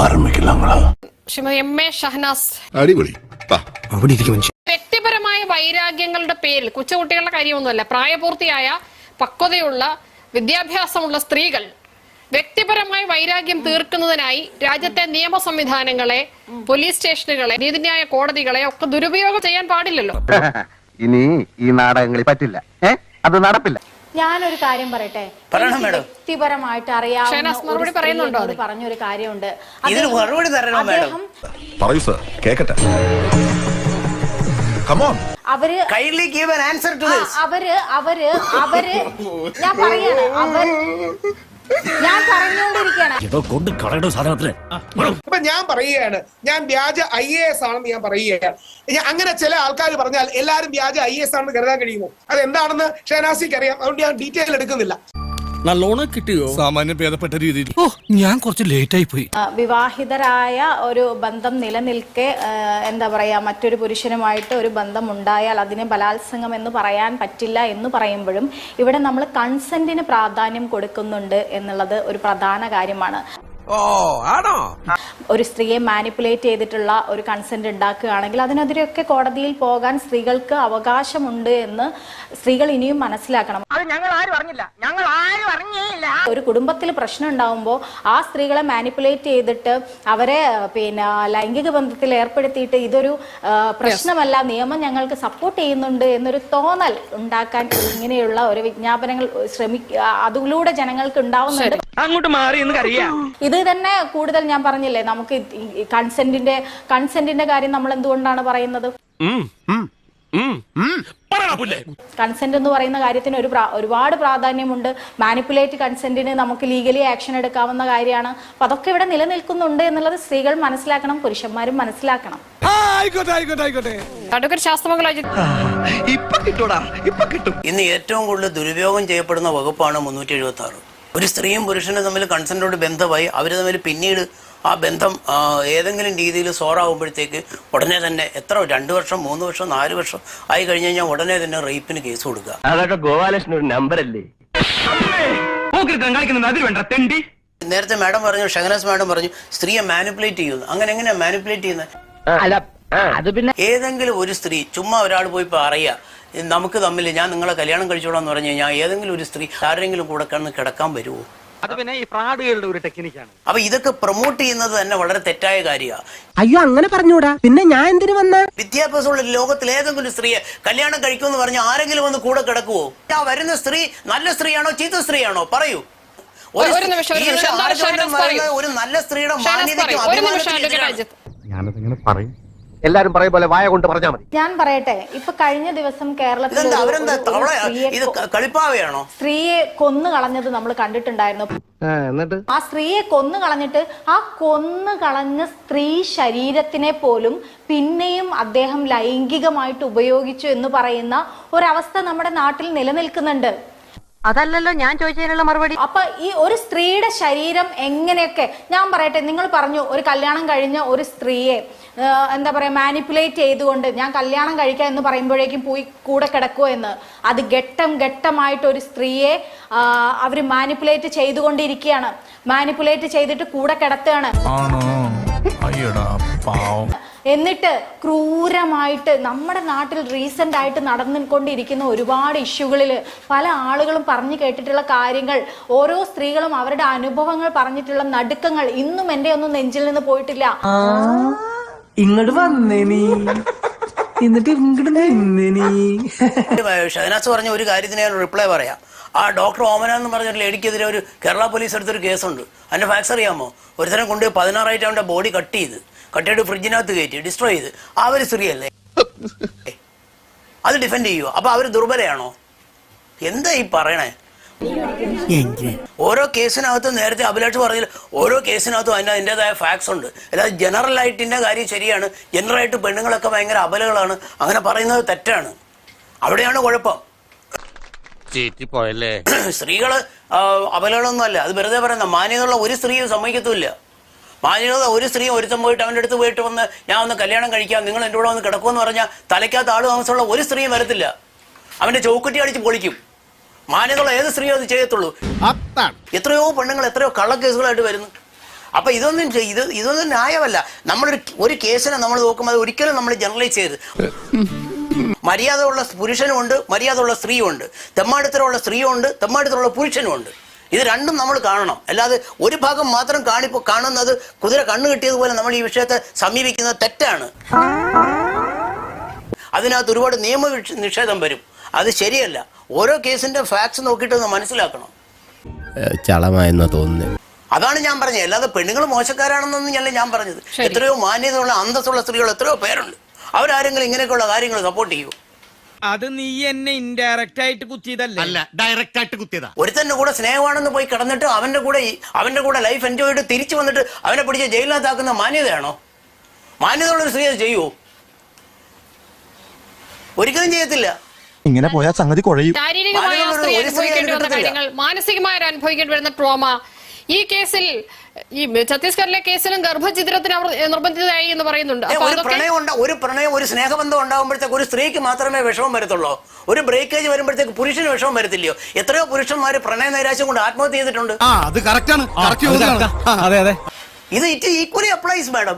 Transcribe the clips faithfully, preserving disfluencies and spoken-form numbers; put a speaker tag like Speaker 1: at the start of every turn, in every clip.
Speaker 1: Shrimati M A Shahnaz.
Speaker 2: അടിപൊളി.
Speaker 1: വ്യക്തിപരമായ വൈരാഗ്യങ്ങളുടെ പേരിൽ കൊച്ചുകുട്ടികളുടെ കാര്യമൊന്നുമല്ല, പ്രായപൂർത്തിയായ പക്വതയുള്ള വിദ്യാഭ്യാസമുള്ള സ്ത്രീകൾ വ്യക്തിപരമായ വൈരാഗ്യം തീർക്കുന്നതിനായി രാജ്യത്തെ നിയമ സംവിധാനങ്ങളെ, പോലീസ് സ്റ്റേഷനുകളെ, നീതിന്യായ കോടതികളെ ഒക്കെ ദുരുപയോഗം ചെയ്യാൻ പാടില്ലല്ലോ.
Speaker 3: ഇനി ഈ നാടകങ്ങളിൽ പറ്റില്ല, അത് നടപ്പില്ല.
Speaker 4: ഞാനൊരു കാര്യം പറയട്ടെ, വ്യക്തിപരമായിട്ട് അറിയാവുന്ന പറഞ്ഞൊരു കാര്യമുണ്ട്. അവര് അവര് അവര് അവര് ഞാൻ പറയാണ് അവർ ഞാൻ പറഞ്ഞുകൊണ്ടിരിക്കുകയാണ്.
Speaker 5: ഇപ്പൊ ഞാൻ പറയുകയാണ്, ഞാൻ വ്യാജ ഐ എ എസ് ആണെന്ന് ഞാൻ പറയുകയാണ്. അങ്ങനെ ചില ആൾക്കാർ പറഞ്ഞാൽ എല്ലാവരും വ്യാജ ഐ എസ് ആണെന്ന് കരുതാൻ കഴിയുമോ? അത് എന്താണെന്ന് ഷഹനാസിക്ക് അറിയാം, അതുകൊണ്ട് ഞാൻ ഡീറ്റെയിൽ എടുക്കുന്നില്ല.
Speaker 6: നല്ലോണം കിട്ടിയോ? സാമാന്യ ഭേദപ്പെട്ട രീതിയിൽ. ഓ, ഞാൻ കുറച്ച് ലേറ്റ് ആയി പോയി.
Speaker 4: വിവാഹിതരായ ഒരു ബന്ധം നിലനിൽക്കെ എന്താ പറയാ, മറ്റൊരു പുരുഷനുമായിട്ട് ഒരു ബന്ധം ഉണ്ടായാൽ അതിനെ ബലാത്സംഗം എന്ന് പറയാൻ പറ്റില്ല എന്ന് പറയുമ്പോഴും ഇവിടെ നമ്മൾ കൺസെന്റിന് പ്രാധാന്യം കൊടുക്കുന്നുണ്ട് എന്നുള്ളത് ഒരു പ്രധാന കാര്യമാണ്.
Speaker 6: ഓ ആണോ?
Speaker 4: ഒരു സ്ത്രീയെ മാനിപ്പുലേറ്റ് ചെയ്തിട്ടുള്ള ഒരു കൺസെന്റ് ഉണ്ടാക്കുകയാണെങ്കിൽ അതിനെതിരെയൊക്കെ കോടതിയിൽ പോകാൻ സ്ത്രീകൾക്ക് അവകാശമുണ്ട് എന്ന് സ്ത്രീകൾ ഇനിയും മനസ്സിലാക്കണം. ഒരു കുടുംബത്തിൽ പ്രശ്നം ഉണ്ടാവുമ്പോൾ ആ സ്ത്രീകളെ മാനിപ്പുലേറ്റ് ചെയ്തിട്ട് അവരെ പിന്നെ ലൈംഗിക ബന്ധത്തിൽ ഏർപ്പെടുത്തിയിട്ട് ഇതൊരു പ്രശ്നമല്ല, നിയമം ഞങ്ങൾക്ക് സപ്പോർട്ട് ചെയ്യുന്നുണ്ട് എന്നൊരു തോന്നൽ ഉണ്ടാക്കാൻ ഇങ്ങനെയുള്ള ഒരു വിജ്ഞാപനങ്ങൾ ശ്രമിക്കുക, അതിലൂടെ ജനങ്ങൾക്ക് ഉണ്ടാവുന്നുണ്ട്.
Speaker 6: അങ്ങോട്ട് മാറി എന്ന് അറിയാം.
Speaker 4: ഇത് തന്നെ കൂടുതൽ ഞാൻ പറഞ്ഞില്ലേ, നമുക്ക് കൺസെന്റിന്റെ കൺസെന്റിന്റെ കാര്യം നമ്മൾ എന്തുകൊണ്ടാണ് പറയുന്നത്? കൺസെന്റ് എന്ന് പറയുന്ന കാര്യത്തിന് ഒരു ഒരുപാട് പ്രാധാന്യമുണ്ട്. മാനിപ്പുലേറ്റ് കൺസെന്റിന് നമുക്ക് ലീഗലി ആക്ഷൻ എടുക്കാവുന്ന കാര്യമാണ്. അപ്പൊ അതൊക്കെ ഇവിടെ നിലനിൽക്കുന്നുണ്ട് എന്നുള്ളത് സ്ത്രീകൾ മനസ്സിലാക്കണം, പുരുഷന്മാരും മനസ്സിലാക്കണം.
Speaker 7: ഇന്ന് ഏറ്റവും കൂടുതൽ ദുരുപയോഗം ചെയ്യപ്പെടുന്ന വകുപ്പാണ് മുന്നൂറ്റി എഴുപത്തി ആറ്. ഒരു സ്ത്രീയും പുരുഷനും തമ്മിൽ കൺസെന്റോട് ബന്ധമായി അവർ തമ്മിൽ പിന്നീട് ആ ബന്ധം ഏതെങ്കിലും രീതിയിൽ സോറാവുമ്പോഴത്തേക്ക് ഉടനെ തന്നെ എത്ര രണ്ട് വർഷം മൂന്ന് വർഷം നാല് വർഷം ആയി കഴിഞ്ഞ് കഴിഞ്ഞാൽ ഉടനെ തന്നെ റേപ്പിന് കേസ് കൊടുക്കുക.
Speaker 3: അതൊക്കെ ഗോപാലകൃഷ്ണൻ ഒരു നമ്പർ അല്ലേ?
Speaker 7: നേരത്തെ മാഡം പറഞ്ഞു, ഷഹനാസ് മാഡം പറഞ്ഞു സ്ത്രീയെ മാനിപ്പുലേറ്റ് ചെയ്യുന്നു. അങ്ങനെ എങ്ങനെയാ മാനിപ്പുലേറ്റ് ചെയ്യുന്നത്? ഏതെങ്കിലും ഒരു സ്ത്രീ ചുമ്മാ ഒരാൾ പോയി പറയുക നമുക്ക് തമ്മിൽ ഞാൻ നിങ്ങളെ കല്യാണം കഴിച്ചോളാന്ന് പറഞ്ഞു കഴിഞ്ഞാൽ ഏതെങ്കിലും ഒരു സ്ത്രീ ആരെങ്കിലും കൂടെ കണ്ണ് കിടക്കാൻ വരുമോ?
Speaker 6: അത് പിന്നെ ഈ ഫ്രോഡുകളുടെ ഒരു ടെക്നിക്കാണ്.
Speaker 7: അപ്പൊ ഇതൊക്കെ പ്രൊമോട്ട് ചെയ്യുന്നത് തന്നെ വളരെ തെറ്റായ കാര്യമാണ്.
Speaker 8: അയ്യോ അങ്ങനെ പറഞ്ഞൂടാ, പിന്നെ ഞാൻ എന്തിനു വന്ന?
Speaker 7: വിദ്യാഭ്യാസമുള്ള ലോകത്തിൽ ഏതെങ്കിലും സ്ത്രീയെ കല്യാണം കഴിക്കുമെന്ന് പറഞ്ഞാൽ ആരെങ്കിലും വന്ന് കൂടെ കിടക്കുവോ? ആ വരുന്ന സ്ത്രീ നല്ല സ്ത്രീയാണോ ചീത്ത സ്ത്രീയാണോ? പറയൂ. ഒരു നല്ല സ്ത്രീയുടെ മാന്യതയ്ക്കും
Speaker 3: ഞാനതിങ്ങനെ പറയും, എല്ലാരും പറയും പോലെ വായ കൊണ്ട് പറഞ്ഞാൽ മതി.
Speaker 4: ഞാൻ പറയട്ടെ, ഇപ്പൊ കഴിഞ്ഞ ദിവസം കേരളത്തിൽ സ്ത്രീയെ കൊന്നു കളഞ്ഞത് നമ്മൾ കണ്ടിട്ടുണ്ടായിരുന്നു.
Speaker 3: എന്നിട്ട്
Speaker 4: ആ സ്ത്രീയെ കൊന്നു കളഞ്ഞിട്ട് ആ കൊന്നു കളഞ്ഞ സ്ത്രീ ശരീരത്തിനെ പോലും പിന്നെയും അദ്ദേഹം ലൈംഗികമായിട്ട് ഉപയോഗിച്ചു എന്ന് പറയുന്ന ഒരവസ്ഥ നമ്മുടെ നാട്ടിൽ നിലനിൽക്കുന്നുണ്ട്.
Speaker 8: അതല്ലല്ലോ ഞാൻ ചോദിച്ചതിനുള്ള മറുപടി.
Speaker 4: അപ്പൊ ഈ ഒരു സ്ത്രീയുടെ ശരീരം എങ്ങനെയൊക്കെ, ഞാൻ പറയട്ടെ, നിങ്ങൾ പറഞ്ഞു ഒരു കല്യാണം കഴിഞ്ഞ ഒരു സ്ത്രീയെ എന്താ പറയാ മാനിപ്പുലേറ്റ് ചെയ്തുകൊണ്ട് ഞാൻ കല്യാണം കഴിക്കാം എന്ന് പറയുമ്പോഴേക്കും പോയി കൂടെ കിടക്കുമോ എന്ന്. അത് ഘട്ടം ഘട്ടമായിട്ട് ഒരു സ്ത്രീയെ അവർ മാനിപ്പുലേറ്റ് ചെയ്തുകൊണ്ടിരിക്കുകയാണ്. മാനിപ്പുലേറ്റ് ചെയ്തിട്ട് കൂടെ കിടത്തുകയാണ്. എന്നിട്ട് ക്രൂരമായിട്ട് നമ്മുടെ നാട്ടിൽ റീസെന്റ് ആയിട്ട് നടന്നുകൊണ്ടിരിക്കുന്ന ഒരുപാട് ഇഷ്യൂകളിൽ പല ആളുകളും പറഞ്ഞു കേട്ടിട്ടുള്ള കാര്യങ്ങൾ, ഓരോ സ്ത്രീകളും അവരുടെ അനുഭവങ്ങൾ പറഞ്ഞിട്ടുള്ള നടുക്കങ്ങൾ ഇന്നും എന്റെ ഒന്നും നെഞ്ചിൽ നിന്ന് പോയിട്ടില്ല.
Speaker 8: ഇങ്ങോട്ട് വന്നേ നീ, എന്നിട്ട് ഇങ്ങോട്ട് നിന്നേ നീ.
Speaker 7: ഷഹനാസ് പറഞ്ഞ ഒരു കാര്യത്തിന് ഞാൻ റിപ്ലൈ പറയാം. ആ ഡോക്ടർ ഓമന എന്ന് പറഞ്ഞ ലേഡിക്കെതിരെ ഒരു കേരള പോലീസ് എടുത്തൊരു കേസുണ്ട്. അതിന്റെ ഫാക്സ് അറിയാമോ? ഒരുത്തരം കൊണ്ട് പതിനാറായിട്ട് അവന്റെ ബോഡി കട്ട് ചെയ്ത് കട്ടിയിട്ട് ഫ്രിഡ്ജിനകത്ത് കയറ്റി ഡിസ്ട്രോയ് ചെയ്ത്. അവർ സ്ത്രീയല്ലേ? അത് ഡിഫെൻഡ് ചെയ്യുമോ? അപ്പൊ അവര് ദുർബലയാണോ? എന്താ ഈ പറയണേ? ഓരോ കേസിനകത്തും നേരത്തെ അഭിലാഷ് പറഞ്ഞാൽ ഓരോ കേസിനകത്തും അതിൻ്റെ അതിൻ്റെതായ ഫാക്ട്സ് ഉണ്ട്. അല്ലാതെ ജനറൽ ആയിട്ടിൻ്റെ കാര്യം ശരിയാണ്, ജനറൽ ആയിട്ട് പെണ്ണുങ്ങളൊക്കെ ഭയങ്കര അബലകളാണ് അങ്ങനെ പറയുന്നത് തെറ്റാണ്. അവിടെയാണ് കുഴപ്പം. സ്ത്രീകള് അബലകളൊന്നും അല്ല, അത് വെറുതെ പറയുന്ന. മാന്യതയുള്ള ഒരു സ്ത്രീയും സമ്മതിക്കത്തുമില്ല. മാന്യത ഒരു സ്ത്രീ ഒരുത്തം പോയിട്ട് അവൻ്റെ അടുത്ത് പോയിട്ട് വന്ന് ഞാൻ ഒന്ന് കല്യാണം കഴിക്കാം, നിങ്ങൾ എൻ്റെ കൂടെ വന്ന് കിടക്കുമെന്ന് പറഞ്ഞാൽ തലയ്ക്കകത്ത് ആള് താമസമുള്ള ഒരു സ്ത്രീയും വരത്തില്ല. അവൻ്റെ ചൗക്കുറ്റി അടിച്ച് പൊളിക്കും. മാന്യതയുള്ള ഏത് സ്ത്രീയോ അത് ചെയ്യത്തുള്ളൂ. എത്രയോ പെണ്ണുങ്ങൾ എത്രയോ കള്ളക്കേസുകളായിട്ട് വരുന്നു. അപ്പൊ ഇതൊന്നും ചെയ്- ഇത് ഇതൊന്നും ന്യായമല്ല. നമ്മളൊരു ഒരു കേസിനെ നമ്മൾ നോക്കുമ്പോൾ അത് ഒരിക്കലും നമ്മൾ ജനറലൈസ് ചെയ്ത് മര്യാദ ഉള്ള പുരുഷനും ഉണ്ട്, മര്യാദ ഉള്ള സ്ത്രീയും ഉണ്ട്, തെമ്മാടിത്തരമുള്ള സ്ത്രീയും ഉണ്ട്, തെമ്മാടിത്തരമുള്ള പുരുഷനും ഉണ്ട്. ഇത് രണ്ടും നമ്മൾ കാണണം. അല്ലാതെ ഒരു ഭാഗം മാത്രം കാണിപ്പോ കാണുന്നത് കുതിര കണ്ണു കിട്ടിയതുപോലെ നമ്മൾ ഈ വിഷയത്തെ സമീപിക്കുന്നത് തെറ്റാണ്. അതിനകത്ത് ഒരുപാട് നിയമ നിഷേധം വരും. അത് ശരിയല്ല. ഓരോ കേസിന്റെ ഫാക്ട്സ് നോക്കിയിട്ട് ഒന്ന് മനസ്സിലാക്കണം.
Speaker 2: ചളമായെന്നാ തോന്നുന്നത്.
Speaker 7: അതാണ് ഞാൻ പറഞ്ഞത്. അല്ലാതെ പെണ്ണുങ്ങൾ മോശക്കാരാണെന്നൊന്നും ഞാൻ ഞാൻ പറഞ്ഞത്. എത്രയോ മാന്യതയുള്ള അന്തസ്സുള്ള സ്ത്രീകൾ എത്രയോ പേരുണ്ട്. അവരാരെങ്കിലും ഇങ്ങനെയൊക്കെയുള്ള കാര്യങ്ങൾ സപ്പോർട്ട് ചെയ്യൂ.
Speaker 9: അത് നീ എന്നെ ഇൻഡയറക്റ്റ് ആയിട്ട് കുത്തിയതല്ല,
Speaker 3: അല്ല ഡയറക്റ്റ് ആയിട്ട് കുത്തിയതാ.
Speaker 7: ഒരുത്തന്റെ കൂടെ സ്നേഹമാണെന്ന് പോയി കിടന്നിട്ട് അവന്റെ കൂടെ അവന്റെ കൂടെ ലൈഫ് എൻജോയ് ചെയ്ത് തിരിച്ചു വന്നിട്ട് അവനെ പിടിച്ച് ജയിലിനകത്താക്കുന്ന മാന്യതയാണോ? മാന്യതയുള്ളൊരു സ്ത്രീ അത് ചെയ്യുമോ? ഒരിക്കലും ചെയ്യത്തില്ല.
Speaker 3: ഇങ്ങനെ പോയാൽ സംഗതി കുഴയും.
Speaker 1: ശാരീരികമായ
Speaker 7: മാനവരുടെ
Speaker 1: സ്ത്രീ
Speaker 7: ഒരു സ്ത്രീ
Speaker 1: അനുഭവിക്കേണ്ടി വന്ന
Speaker 7: അനുഭവിക്കത്തില്ല.
Speaker 1: കാര്യങ്ങൾ, മാനസികമായി അനുഭവിക്കേണ്ടി വരുന്ന ട്രോമ. ഈ കേസിൽ ഈ ഛത്തീസ്ഗഡിലെ കേസിലും ഗർഭഛിദ്രത്തിന് അവർ നിർബന്ധിതരായി എന്ന് പറയുന്നുണ്ട്. അപ്പൊ
Speaker 7: ഒരു
Speaker 1: അതൊക്കെ
Speaker 7: പ്രണയം ഉണ്ടാ ഒരു പ്രണയം ഒരു സ്നേഹബന്ധം ഉണ്ടാകുമ്പോഴത്തേക്ക് ഒരു സ്ത്രീക്ക് മാത്രമേ വിഷമം വരത്തുള്ളൂ. ഒരു ബ്രേക്കേജ് വരുമ്പോഴത്തേക്ക് പുരുഷന് വിഷമം വരത്തില്ലയോ? എത്രയോ പുരുഷന്മാര് പ്രണയ നൈരാശ്യം കൊണ്ട് ആത്മഹത്യ ചെയ്തിട്ടുണ്ട്.
Speaker 6: ആ അത് കറക്റ്റ് ആണ്.
Speaker 2: അതെ അതെ.
Speaker 7: ഇത് ഇറ്റ് ഈക്വലി അപ്ലൈസ് മാഡം.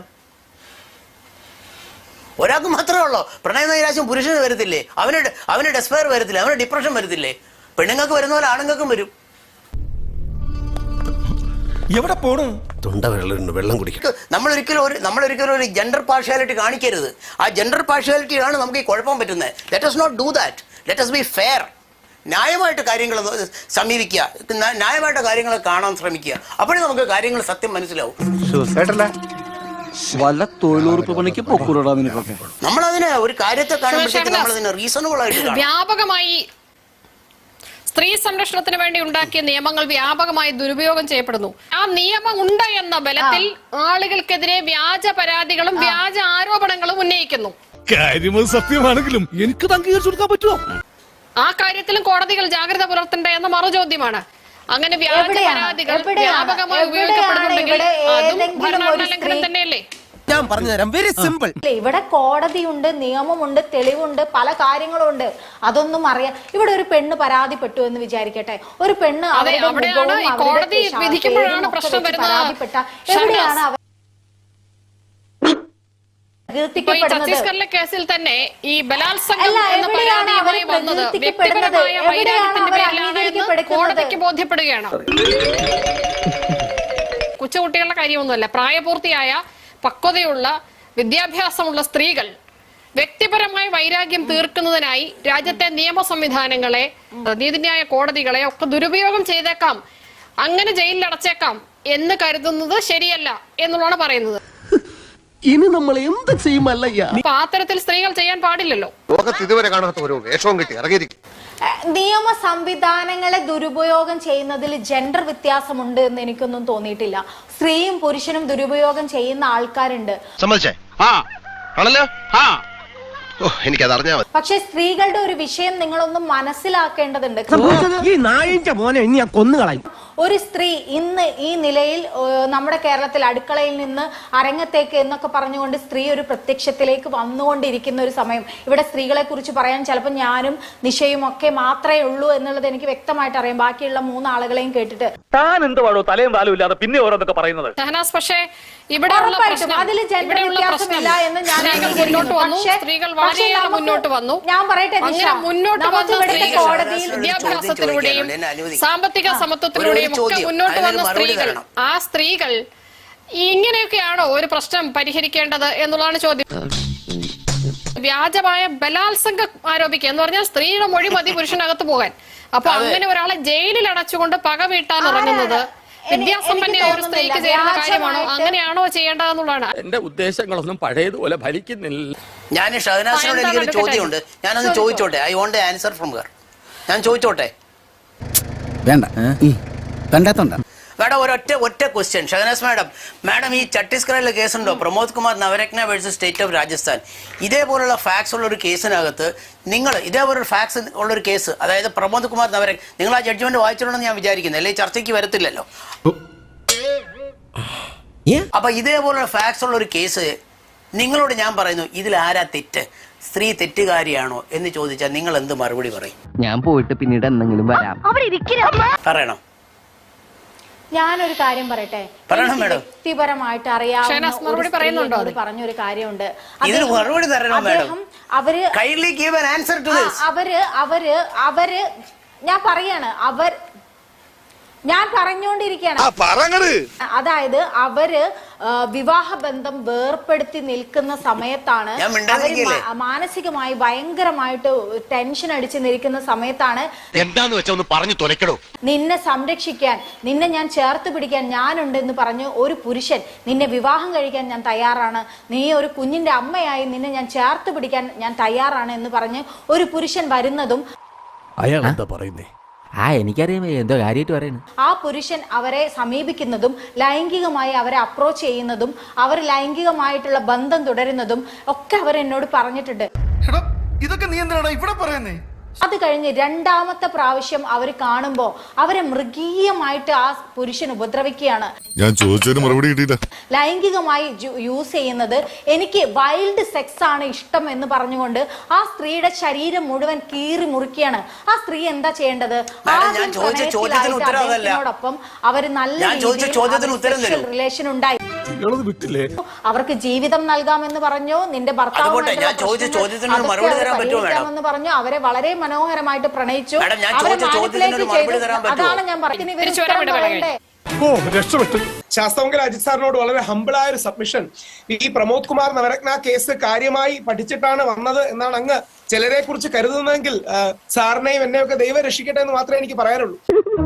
Speaker 7: ഒരാൾക്ക് മാത്രമേ ഉള്ളൂ പ്രണയ നൈരാശ്യം. പുരുഷന് വരത്തില്ലേ? അവന് അവന് ഡെസ്പയർ വരത്തില്ലേ? അവന് ഡിപ്രഷൻ വരത്തില്ലേ? പെണ്ണുങ്ങൾക്ക് വരുന്ന പോലെ ആണുങ്ങൾക്കും വരും.
Speaker 6: എവിടെ പോണു?
Speaker 2: തൊണ്ട വെള്ളം വെള്ളം കുടിക്കും.
Speaker 7: നമ്മളൊരിക്കലും ഒരു നമ്മളൊരിക്കലും ഒരു ജെൻഡർ പാർഷ്യാലിറ്റി കാണിക്കരുത്. ആ ജെൻഡർ പാർഷ്യാലിറ്റിയാണ് നമുക്ക് ഈ കുഴപ്പം പറ്റുന്നത്. Let us not do that. let us be fair. ന്യായമായിട്ട് കാര്യങ്ങൾ സമീപിക്കുക, ന്യായമായിട്ട് കാര്യങ്ങൾ കാണാൻ ശ്രമിക്കുക. അപ്പോഴേ നമുക്ക് കാര്യങ്ങൾ സത്യം മനസ്സിലാവും.
Speaker 9: വല്ല തൊഴിലുറപ്പ് പണിക്ക് പൊക്കൂടാ നിനക്കൊക്കെ.
Speaker 7: നമ്മളതിനെ ഒരു കാര്യത്തെ കാണുമ്പോഴത്തേക്ക് നമ്മളതിനെ റീസണബിൾ ആയിട്ട് കാണും.
Speaker 1: വ്യാപകമായി സ്ത്രീ സംരക്ഷണത്തിന് വേണ്ടി ഉണ്ടാക്കിയ നിയമങ്ങൾ വ്യാപകമായി ദുരുപയോഗം ചെയ്യപ്പെടുന്നു. ആ നിയമം ഉണ്ട് എന്ന ബലത്തിൽ ആളുകൾക്കെതിരെ വ്യാജ പരാതികളും വ്യാജ ആരോപണങ്ങളും ഉന്നയിക്കുന്നു.
Speaker 6: കാര്യം സത്യമാണെങ്കിലും എനിക്ക് അംഗീകരിച്ചു കൊടുക്കാൻ പറ്റുമോ?
Speaker 1: ആ കാര്യത്തിലും കോടതികൾ ജാഗ്രത പുലർത്തണ്ടേ എന്ന മറുചോദ്യമാണ്. അങ്ങനെ വ്യാജ
Speaker 4: എവിടെയാണ്?
Speaker 1: പരാതികൾ
Speaker 4: എവിടെയാണ്?
Speaker 1: വ്യാപകമായി
Speaker 4: എവിടെയാണ്
Speaker 1: ഉപയോഗിക്കപ്പെടുന്നുണ്ടെങ്കിൽ
Speaker 4: ഇവിടെ
Speaker 1: അതും
Speaker 4: ഏതെങ്കിലും
Speaker 1: ഭരണഘടനാ
Speaker 4: ഒരു
Speaker 1: ലംഘനം
Speaker 4: സ്ത്രീ-
Speaker 1: തന്നെയല്ലേ?
Speaker 2: ഞാൻ പറഞ്ഞുതരാം. Very simple.
Speaker 4: ഇല്ല, ഇവിടെ കോടതിയുണ്ട്, നിയമമുണ്ട്, തെളിവുണ്ട്, പല കാര്യങ്ങളും ഉണ്ട്. അതൊന്നും അറിയാം. ഇവിടെ ഒരു പെണ്ണ് പരാതിപ്പെട്ടു എന്ന് വിചാരിക്കട്ടെ. ഒരു പെണ്ണ്
Speaker 1: അതെ,
Speaker 4: അവരുടെ
Speaker 1: അവിടെയാണ്
Speaker 4: മുഖവും
Speaker 1: ഈ
Speaker 4: അവരുടെ
Speaker 1: കോടതി
Speaker 4: ശാ-
Speaker 1: വിധിക്കുമ്പോഴാണ്
Speaker 4: പേരും ഒക്കെ
Speaker 1: പ്രശ്നം
Speaker 4: വെച്ച്
Speaker 1: വരുന്നത്.
Speaker 4: പരാതിപ്പെട്ട എവിടെയാണ് അവർ
Speaker 1: ഇപ്പൊ ഈ
Speaker 4: പ്രകീർത്തിക്കപ്പെടുന്നത്?
Speaker 1: ഛത്തീസ്ഗഡിലെ കേസിൽ തന്നെ ഈ ബലാത്സംഗം
Speaker 4: അല്ല,
Speaker 1: എന്ന
Speaker 4: എവിടെയാണ് അവർ
Speaker 1: പരാതിയുമായി വന്നത്
Speaker 4: പ്രകീർത്തിക്കപ്പെടുന്നത്?
Speaker 1: വ്യക്തിപരമായ
Speaker 4: എവിടെയാണ്
Speaker 1: വൈരാഗ്യത്തിന്റെ
Speaker 4: അവർ
Speaker 1: പേരിലാണ് എന്ന്
Speaker 4: അംഗീകരിക്കപ്പെടുന്നത്?
Speaker 1: കോടതിക്ക് ബോധ്യപ്പെടുകയാണ്. കൊച്ചുകുട്ടികളുടെ കാര്യമൊന്നുമല്ല. പ്രായപൂർത്തിയായ പക്വതയുള്ള വിദ്യാഭ്യാസമുള്ള സ്ത്രീകൾ വ്യക്തിപരമായ വൈരാഗ്യം തീർക്കുന്നതിനായി രാജ്യത്തെ നിയമ സംവിധാനങ്ങളെ, നീതിന്യായ കോടതികളെ ഒക്കെ ദുരുപയോഗം ചെയ്തേക്കാം, അങ്ങനെ ജയിലിൽ അടച്ചേക്കാം എന്ന് കരുതുന്നത് ശരിയല്ല എന്നുള്ളതാണ് പറയുന്നത്.
Speaker 8: ഇനി നമ്മൾ എന്ത് ചെയ്യുമല്ലയ്യ?
Speaker 1: അപ്പൊ ആ തരത്തിൽ സ്ത്രീകൾ ചെയ്യാൻ പാടില്ലല്ലോ.
Speaker 3: ലോകത്ത് ഇതുവരെ കാണാത്ത ഒരു വേഷവും കിട്ടി ഇറങ്ങിയിരിക്കും.
Speaker 4: നിയമ സംവിധാനങ്ങളെ ദുരുപയോഗം ചെയ്യുന്നതിൽ ജെൻഡർ വ്യത്യാസമുണ്ട് എന്ന് എനിക്കൊന്നും തോന്നിയിട്ടില്ല. സ്ത്രീയും പുരുഷനും ദുരുപയോഗം ചെയ്യുന്ന ആൾക്കാരുണ്ട്.
Speaker 3: സമ്മതിച്ചേ? ആ ആണല്ലോ. ആ എനിക്കത് അറിഞ്ഞാ മതി.
Speaker 4: പക്ഷെ സ്ത്രീകളുടെ ഒരു വിഷയം നിങ്ങളൊന്നും മനസ്സിലാക്കേണ്ടതുണ്ട്.
Speaker 8: ഈ നായിന്റെ മോനെ ഇനി ഞാൻ കൊന്നുകളയും.
Speaker 4: ഒരു സ്ത്രീ ഇന്ന് ഈ നിലയിൽ ഏഹ്, നമ്മുടെ കേരളത്തിൽ അടുക്കളയിൽ നിന്ന് അരങ്ങത്തേക്ക് എന്നൊക്കെ പറഞ്ഞുകൊണ്ട് സ്ത്രീ ഒരു പ്രത്യക്ഷത്തിലേക്ക് വന്നുകൊണ്ടിരിക്കുന്ന ഒരു സമയം. ഇവിടെ സ്ത്രീകളെ കുറിച്ച് പറയാൻ ചിലപ്പോൾ ഞാനും നിഷയും ഒക്കെ മാത്രമേ ഉള്ളൂ എന്നുള്ളത് എനിക്ക് വ്യക്തമായിട്ട് അറിയാം. ബാക്കിയുള്ള മൂന്നാളുകളെയും കേട്ടിട്ട്
Speaker 9: താൻ എന്ത് പാടോ തലയും താലും ഇല്ലാതെ പിന്നെ ഓരോന്നൊക്കെ പറയുന്നത്.
Speaker 1: ഷഹനാസ്, പക്ഷേ ഇവിടെയുള്ള
Speaker 4: ഉറപ്പായിട്ടും
Speaker 1: പ്രശ്നം
Speaker 4: അതിൽ ജെൻഡർ
Speaker 1: ഇവിടെയുള്ള
Speaker 4: വ്യത്യാസമില്ല
Speaker 1: പ്രശ്നം
Speaker 4: എന്ന് ഞാൻ
Speaker 1: സ്ത്രീകൾ
Speaker 4: അംഗീകരിക്കുന്നു.
Speaker 1: മുന്നോട്ട് വന്നു,
Speaker 4: പക്ഷേ
Speaker 1: സ്ത്രീകൾ
Speaker 4: പക്ഷേ
Speaker 1: വളരെയേറെ
Speaker 4: നമുക്ക്
Speaker 1: മുന്നോട്ട് വന്നു.
Speaker 4: ഞാൻ പറയട്ടെ നിഷ,
Speaker 1: അങ്ങനെ മുന്നോട്ട്
Speaker 4: നമുക്ക്
Speaker 1: വന്ന
Speaker 4: ഇവിടുത്തെ
Speaker 1: സ്ത്രീകൾ
Speaker 4: കോടതിയിൽ
Speaker 1: വിദ്യാഭ്യാസത്തിലൂടെയും
Speaker 7: എന്നെ അനുവദിക്കും.
Speaker 1: സാമ്പത്തിക സമത്വത്തിലൂടെയും
Speaker 7: ഒരു
Speaker 1: ഒക്കെ
Speaker 7: ചോദ്യം.
Speaker 1: മുന്നോട്ട് വന്ന
Speaker 7: അതിനൊരു മറുപടി
Speaker 1: സ്ത്രീകൾ,
Speaker 7: തരണം.
Speaker 1: ആ സ്ത്രീകൾ ഇങ്ങനെയൊക്കെയാണോ ഒരു പ്രശ്നം പരിഹരിക്കേണ്ടത് എന്നുള്ളതാണ് ചോദ്യം. വ്യാജമായ ബലാത്സംഗം ആരോപിക്കുക എന്ന് പറഞ്ഞാൽ സ്ത്രീയുടെ മൊഴി മതി പുരുഷനകത്ത് പോകാൻ. അപ്പൊ അങ്ങനെ ഒരാളെ ജയിലിൽ അടച്ചുകൊണ്ട് പക വീട്ടാൻ ഇറങ്ങുന്നത് വിദ്യാസമ്പന്നയായ ഒരു സ്ത്രീക്ക് ചെയ്യുന്ന കാര്യമാണോ? അങ്ങനെയാണോ ചെയ്യേണ്ടതെന്നുള്ളതാണ്.
Speaker 9: എന്റെ ഉദ്ദേശങ്ങളൊന്നും പഴയതുപോലെ ഫലിക്കുന്നില്ല.
Speaker 7: ഞാൻ ഷഹനാസിനോട് എനിക്കൊരു ചോദ്യമുണ്ട്. ഞാനൊന്ന് ചോദിച്ചോട്ടെ. I want answer from her. ഞാൻ ചോദിച്ചോട്ടെ?
Speaker 2: വേണ്ട കണ്ടാത്തോണ്ട.
Speaker 7: മാഡം ഒരൊറ്റ ഒറ്റ ക്വസ്റ്റ്യൻ. ഷഹനാസ് മാഡം, മാഡം ഈ ഛത്തീസ്ഗഡിലെ കേസുണ്ടോ Pramod Kumar Navratna versus state of Rajasthan, ഇതേപോലുള്ള ഫാക്സ് ഉള്ള ഒരു കേസിനകത്ത് നിങ്ങൾ ഇതേപോലൊരു ഫാക്സ് ഉള്ളൊരു കേസ്, അതായത് പ്രമോദ് കുമാർ നവരത്ന, നിങ്ങൾ ആ ജഡ്ജ്മെന്റ് വായിച്ചിട്ടുണ്ടെന്ന് ഞാൻ വിചാരിക്കുന്നത്, അല്ലെങ്കിൽ ചർച്ചയ്ക്ക് വരത്തില്ലല്ലോ. അപ്പൊ ഇതേപോലുള്ള ഫാക്സ് ഉള്ള ഒരു കേസ് നിങ്ങളോട് ഞാൻ പറയുന്നു, ഇതിൽ ആരാ തെറ്റ്? സ്ത്രീ തെറ്റുകാരിയാണോ എന്ന് ചോദിച്ചാൽ നിങ്ങൾ എന്ത് മറുപടി പറയും?
Speaker 8: ഞാൻ പോയിട്ട് പിന്നീട് എന്തെങ്കിലും വരാം.
Speaker 7: പറയണം.
Speaker 4: ഞാനൊരു കാര്യം പറയട്ടെ,
Speaker 7: പറയണം
Speaker 4: എനിക്ക്
Speaker 7: മേഡം.
Speaker 4: വ്യക്തിപരമായിട്ട് അറിയാവുന്ന
Speaker 1: ഷഹനാസ്
Speaker 4: ഒരു
Speaker 1: മറുപടി
Speaker 4: സ്ത്രീ
Speaker 1: പറയുന്നുണ്ടോ
Speaker 4: എന്നോട്
Speaker 1: അത്?
Speaker 4: പറഞ്ഞൊരു കാര്യമുണ്ട്.
Speaker 7: ഇതിന്
Speaker 4: അദ്ദേഹം-
Speaker 7: മറുപടി തരണം മേഡം.
Speaker 4: അദ്ദേഹം അവര്
Speaker 7: Kindly give an answer to
Speaker 4: ആ,
Speaker 7: this.
Speaker 4: അവര് അവര് അവര് ഞാൻ പറയാണ് അവർ ഞാൻ പറഞ്ഞുകൊണ്ടിരിക്കുകയാണ്. അതായത് അവര് ആ, വിവാഹ ബന്ധം വേർപ്പെടുത്തി നിൽക്കുന്ന സമയത്താണ്,
Speaker 7: ഞാൻ
Speaker 4: അവര്
Speaker 7: മിണ്ടാതിരിക്കില്ലേ?
Speaker 4: മാ- മാനസികമായി ഭയങ്കരമായിട്ട് ടെൻഷൻ അടിച്ച് നിൽക്കുന്ന സമയത്താണ്
Speaker 3: എന്താന്ന് വെച്ചാ ഒന്ന് പറഞ്ഞു തുലക്കടോ.
Speaker 4: നിന്നെ സംരക്ഷിക്കാൻ, നിന്നെ ഞാൻ ചേർത്ത് പിടിക്കാൻ ഞാനുണ്ട് എന്ന് പറഞ്ഞ് ഒരു പുരുഷൻ നിന്നെ വിവാഹം കഴിക്കാൻ ഞാൻ തയ്യാറാണ്, നീ ഒരു കുഞ്ഞിന്റെ അമ്മയായി നിന്നെ ഞാൻ ചേർത്ത് പിടിക്കാൻ ഞാൻ തയ്യാറാണ് എന്ന് പറഞ്ഞ് ഒരു പുരുഷൻ വരുന്നതും
Speaker 2: അയാൾ എന്താ പറയുന്നേ?
Speaker 10: ആ എനിക്കറിയാം എന്തോ കാര്യമായിട്ട് പറയുന്നു.
Speaker 4: ആ പുരുഷൻ അവരെ സമീപിക്കുന്നതും ലൈംഗികമായി അവരെ അപ്രോച്ച് ചെയ്യുന്നതും അവർ ലൈംഗികമായിട്ടുള്ള ബന്ധം തുടരുന്നതും ഒക്കെ അവർ എന്നോട് പറഞ്ഞിട്ടുണ്ട്.
Speaker 6: ഇതൊക്കെ നീ എന്തിനാണ് ഇവിടെ പറയുന്നേ?
Speaker 4: അത് കഴിഞ്ഞ് രണ്ടാമത്തെ പ്രാവശ്യം അവർ കാണുമ്പോൾ അവരെ മൃഗീയമായിട്ട് ആ പുരുഷൻ ഉപദ്രവിക്കുകയാണ്.
Speaker 11: ഞാൻ ചോദിച്ചതിന് മറുപടി കിട്ടിയില്ല.
Speaker 4: ലൈംഗികമായി യൂസ് ചെയ്യുന്നത്, എനിക്ക് വൈൽഡ് സെക്സ് ആണ് ഇഷ്ടം എന്ന് പറഞ്ഞുകൊണ്ട് ആ സ്ത്രീയുടെ ശരീരം മുഴുവൻ കീറി മുറിക്കുകയാണ്. ആ സ്ത്രീ എന്താ ചെയ്യേണ്ടത്?
Speaker 7: ഞാൻ ചോദിച്ച ചോദ്യത്തിന് ഉത്തരം അതല്ല.
Speaker 4: അദ്ദേഹത്തിനോടൊപ്പം അവര് നല്ല
Speaker 7: ഞാൻ ചോദിച്ച ചോദ്യത്തിന് ഉത്തരം തരൂ.
Speaker 4: റിലേഷൻ ഉണ്ടായി.
Speaker 2: വിട്ടില്ലേ?
Speaker 4: അവർക്ക് ജീവിതം നൽകാമെന്ന് പറഞ്ഞു, നിന്റെ
Speaker 7: അതുപോട്ടെ, ഞാൻ ചോദിച്ച ചോദ്യത്തിന് ഒരു മറുപടി തരാൻ പറ്റുമോ മാഡം?
Speaker 4: എന്ന് പറഞ്ഞു, അവരെ വളരെ മനോഹരമായിട്ട് പ്രണയിച്ചു.
Speaker 7: മാഡം, ഞാൻ
Speaker 4: അവരെ
Speaker 7: ചോദിച്ച ചോദ്യത്തിന് ഒരു
Speaker 4: manipulate
Speaker 7: മറുപടി
Speaker 4: ചെയ്തു.
Speaker 7: തരാൻ പറ്റുമോ?
Speaker 4: അതാണ് ഞാൻ പറയുന്നത്. ഇവര്
Speaker 1: തിരിച്ചു വരാൻ
Speaker 4: ഉത്തരം
Speaker 1: വിട
Speaker 4: പറയണ്ടേ?
Speaker 2: ഓ രക്ഷപ്പെട്ടു.
Speaker 5: ശാസ്ത്രമംഗല അജിത് സാറിനോട് വളരെ ഹമ്പിളായ ഒരു സബ്മിഷൻ. ഈ പ്രമോദ് കുമാർ നവരത്ന കേസ് കാര്യമായി പഠിച്ചിട്ടാണ് വന്നത് എന്നാണ് അങ്ങ് ചിലരെ കുറിച്ച് കരുതുന്നതെങ്കിൽ ആ, സാറിനെയും എന്നെയൊക്കെ ദൈവം രക്ഷിക്കട്ടെ എന്ന് മാത്രമേ എനിക്ക് പറയാനുള്ളൂ.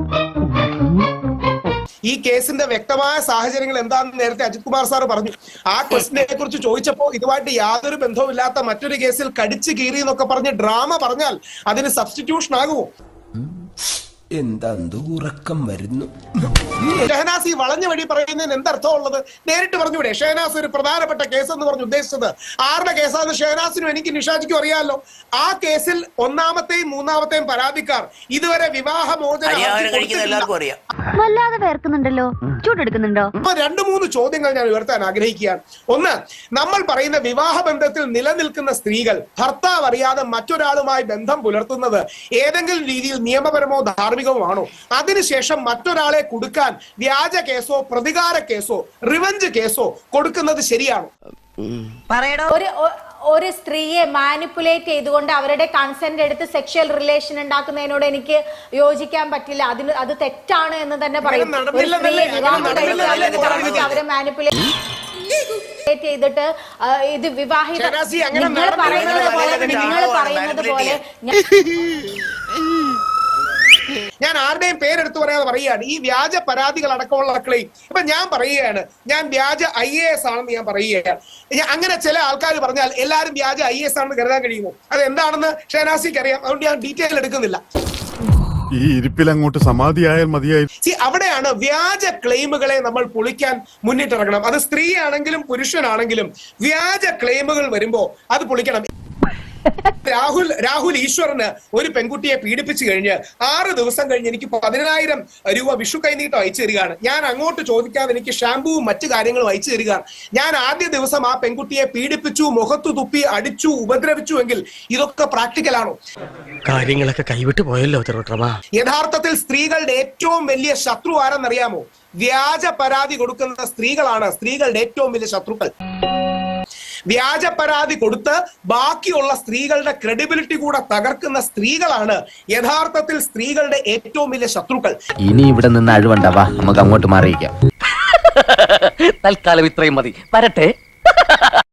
Speaker 5: ഈ കേസിന്റെ വ്യക്തമായ സാഹചര്യങ്ങൾ എന്താണെന്ന് നേരത്തെ അജിത് കുമാർ സാർ പറഞ്ഞു. ആ ക്വസ്റ്റിനെ കുറിച്ച് ചോദിച്ചപ്പോൾ ഇതുമായിട്ട് യാതൊരു ബന്ധവുമില്ലാത്ത മറ്റൊരു കേസിൽ കടിച്ചു കീറി എന്നൊക്കെ പറഞ്ഞ് ഡ്രാമ പറഞ്ഞാൽ അതിന് സബ്സ്റ്റിറ്റ്യൂഷൻ ആകുമോ?
Speaker 8: എന്താ ഉറക്കം വരുന്നു.
Speaker 5: ഷഹനാസ് ഈ വളഞ്ഞ വഴി പറയുന്നതിന് എന്തർത്ഥമുള്ളത്? നേരിട്ട് പറഞ്ഞൂടെ ഷഹനാസ് ഒരു പ്രധാനപ്പെട്ട കേസ് എന്ന് പറഞ്ഞ് ഉദ്ദേശിച്ചത് ആരുടെ കേസാണെന്ന് ഷഹനാസിനും എനിക്ക് നിഷാജിക്കും അറിയാമല്ലോ. ആ കേസിൽ ഒന്നാമത്തെയും മൂന്നാമത്തെയും പരാതിക്കാർ ഇതുവരെ വിവാഹമോചനം
Speaker 7: എല്ലാവർക്കും അറിയാം.
Speaker 12: വല്ലാതെ വേർക്കുന്നുണ്ടല്ലോ, ചൂടെടുക്കുന്നുണ്ടോ?
Speaker 5: അപ്പൊ രണ്ടു മൂന്ന് ചോദ്യങ്ങൾ ഞാൻ ഉയർത്താൻ ആഗ്രഹിക്കുകയാണ്. ഒന്ന്, നമ്മൾ പറയുന്ന വിവാഹ ബന്ധത്തിൽ നിലനിൽക്കുന്ന സ്ത്രീകൾ ഭർത്താവ് അറിയാതെ മറ്റൊരാളുമായി ബന്ധം പുലർത്തുന്നത് ഏതെങ്കിലും രീതിയിൽ നിയമപരമോ ധാർമ്മികമോ ആണോ? അതിനുശേഷം മറ്റൊരാളെ കൊടുക്കാൻ വ്യാജ കേസോ പ്രതികാര കേസോ റിവഞ്ച് കേസോ കൊടുക്കുന്നത് ശരിയാണോ?
Speaker 4: ഒരു ഒ- ഒരു സ്ത്രീയെ മാനിപ്പുലേറ്റ് ചെയ്തുകൊണ്ട് അവരുടെ കൺസെന്റ് എടുത്ത് സെക്ഷൽ റിലേഷൻ ഉണ്ടാക്കുന്നതിനോട് എനിക്ക് യോജിക്കാൻ പറ്റില്ല. അതിന് അത് തെറ്റാണ് എന്ന് തന്നെ പറയും. ഒരു
Speaker 5: നടന്നില്ലെന്നല്ലേ?
Speaker 4: സ്ത്രീയെ വിവാഹം
Speaker 5: അങ്ങനെ
Speaker 4: കഴിക്കാൻ
Speaker 5: നടന്നില്ലെന്നല്ലേ
Speaker 4: പറഞ്ഞിട്ട് അവരെ മാനിപ്പുലേറ്റ് ചെയ്തിട്ട് ആ, ഇത് വിവാഹിത
Speaker 5: ഷഹനാസി, അങ്ങനെ
Speaker 4: നിങ്ങൾ പറയുന്നത് പോലെ
Speaker 5: നടന്നില്ല.
Speaker 4: നിങ്ങൾ പറയുന്നത് പോലെ
Speaker 5: ഞാൻ ആരുടെയും പേരെടുത്ത് പറയാതെ പറയുകയാണ്. ഈ വ്യാജ പരാതികൾ അടക്കമുള്ള ക്ലെയിം ഇപ്പൊ ഞാൻ പറയുകയാണ്, ഞാൻ വ്യാജ ഐ എ എസ് ആണെന്ന് ഞാൻ പറയുകയാണ്. ഞാൻ അങ്ങനെ ചില ആൾക്കാർ പറഞ്ഞാൽ എല്ലാവരും വ്യാജ ഐ എ എസ് ആണെന്ന് കരുതാൻ കഴിയുമോ? അത് എന്താണെന്ന് ഷഹനാസിക്ക് അറിയാം. അതുകൊണ്ട് ഞാൻ ഡീറ്റെയിൽ എടുക്കുന്നില്ല.
Speaker 11: ഈ ഇരിപ്പിൽ അങ്ങോട്ട് സമാധിയായാൽ മതിയായി.
Speaker 5: സി, അവിടെയാണ് വ്യാജ ക്ലെയിമുകളെ നമ്മൾ പൊളിക്കാൻ മുന്നിട്ടിറങ്ങണം. അത് സ്ത്രീ ആണെങ്കിലും പുരുഷനാണെങ്കിലും വ്യാജ ക്ലെയിമുകൾ വരുമ്പോ അത് പൊളിക്കണം. രാഹുൽ രാഹുൽ ഈശ്വറിന് ഒരു പെൺകുട്ടിയെ പീഡിപ്പിച്ചു കഴിഞ്ഞ് ആറ് ദിവസം കഴിഞ്ഞ് എനിക്ക് പതിനായിരം രൂപ വിഷു കൈനീട്ടം അയച്ചു തരികയാണ്. ഞാൻ അങ്ങോട്ട് ചോദിക്കാതെ എനിക്ക് ഷാമ്പുവും മറ്റു കാര്യങ്ങളും അയച്ചു തരികയാണ്. ഞാൻ ആദ്യ ദിവസം ആ പെൺകുട്ടിയെ പീഡിപ്പിച്ചു, മുഖത്തു തുപ്പി, അടിച്ചു, ഉപദ്രവിച്ചു എങ്കിൽ ഇതൊക്കെ പ്രാക്ടിക്കലാണോ?
Speaker 8: കാര്യങ്ങളൊക്കെ കൈവിട്ട് പോയല്ലോ തിരുവട്ടമാ.
Speaker 5: യഥാർത്ഥത്തിൽ സ്ത്രീകളുടെ ഏറ്റവും വലിയ ശത്രു ആരെന്നറിയാമോ? വ്യാജ പരാതി കൊടുക്കുന്ന സ്ത്രീകളാണ് സ്ത്രീകളുടെ ഏറ്റവും വലിയ ശത്രുക്കൾ. വ്യാജ പരാതി കൊടുത്ത് ബാക്കിയുള്ള സ്ത്രീകളുടെ ക്രെഡിബിലിറ്റി കൂടെ തകർക്കുന്ന സ്ത്രീകളാണ് യഥാർത്ഥത്തിൽ സ്ത്രീകളുടെ ഏറ്റവും വലിയ ശത്രുക്കൾ.
Speaker 10: ഇനി ഇവിടെ നിന്ന് അഴിവണ്ടാവാ, നമുക്ക് അങ്ങോട്ട് മാറിയിക്കാം. തൽക്കാലം ഇത്രയും മതി, വരട്ടെ.